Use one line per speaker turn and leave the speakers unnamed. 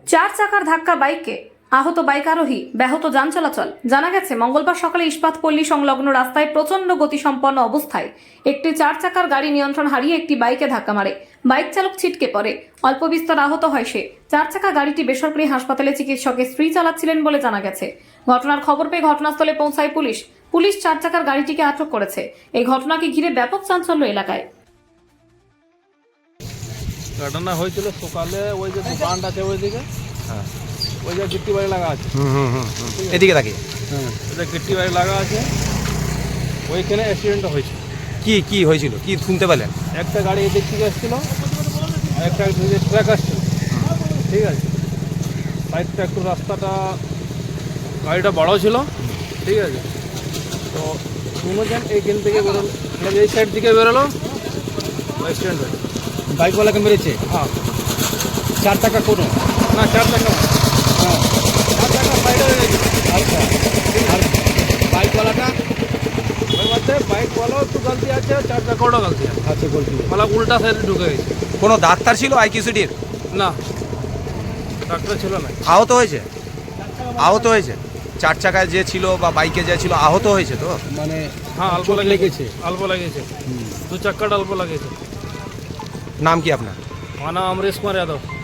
চার চাকার ধাক্কা বাইককে, আহত বাইক আরোহী, ব্যাহত যান চলাচল। জানা গেছে মঙ্গলবার সকালে ইস্পাত পল্লী সংলগ্ন রাস্তায় প্রচন্ড গতিসম্পন্ন অবস্থায় একটি চার চাকার গাড়ি নিয়ন্ত্রণ হারিয়ে একটি বাইকে ধাক্কা মারে। বাইক চালক ছিটকে পড়ে, অল্প বিস্তর আহত হয় সে। চার চাকা গাড়িটি বেসরকারি হাসপাতালে চিকিৎসকের স্ত্রী চালাচ্ছিলেন বলে জানা গেছে। ঘটনার খবর পেয়ে ঘটনাস্থলে পৌঁছায় পুলিশ চার চাকার গাড়িটিকে আটক করেছে। এই ঘটনাকে ঘিরে ব্যাপক চাঞ্চল্য এলাকায়।
ঘটনা হয়েছিল সকালে, ওই যে দোকানটা আছে ওইদিকে,
হ্যাঁ,
ওই যে গিট্টি বাড়ি লাগা আছে,
এদিকে তাকিয়ে
হ্যাঁ, ওই যে গিট্টি বাড়ি লাগা আছে, ওইখানে অ্যাক্সিডেন্টটা হয়েছে।
কি হয়েছিল, কি শুনতে পেলেন?
একটা গাড়ি এদিক থেকে আসছিল, আর একটা ট্রাক আসছিল, ঠিক আছে। সাইডটা একটু রাস্তাটা, গাড়িটা বড় ছিল, ঠিক আছে। তো দুজন এইখান থেকে বেরোলো, মানে এই সাইড দিকে বেরোলো, অ্যাক্সিডেন্ট হয়েছে।
বাইকওয়ালাকে মেরেছে?
হ্যাঁ,
চার টাকা কোনো
না, চার চাকা,
হ্যাঁ,
চার চাকা সাইডে হয়ে গেছে।
আচ্ছা। আর বাইকওয়ালাটা?
ওর মধ্যে বাইকওয়ালাও একটু গলতি আছে, চার চাকাটাও গলতি আছে,
আচ্ছা, বলছি
মানে উল্টা সাইডে ঢুকে গেছে।
কোনো ডাক্তার ছিল আইকিউসিডির?
না, ডাক্তার ছিল না।
আহত হয়েছে চার চাকায় যে ছিল বা বাইকে যে ছিল, আহত হয়েছে তো?
মানে
হ্যাঁ, অল্প
চোট
লেগেছে, অল্প লেগেছে, দু চাক্কাটা অল্প লেগেছে।
নাম কি আপনার?
আমার নাম অমরেশ কুমার যাদব।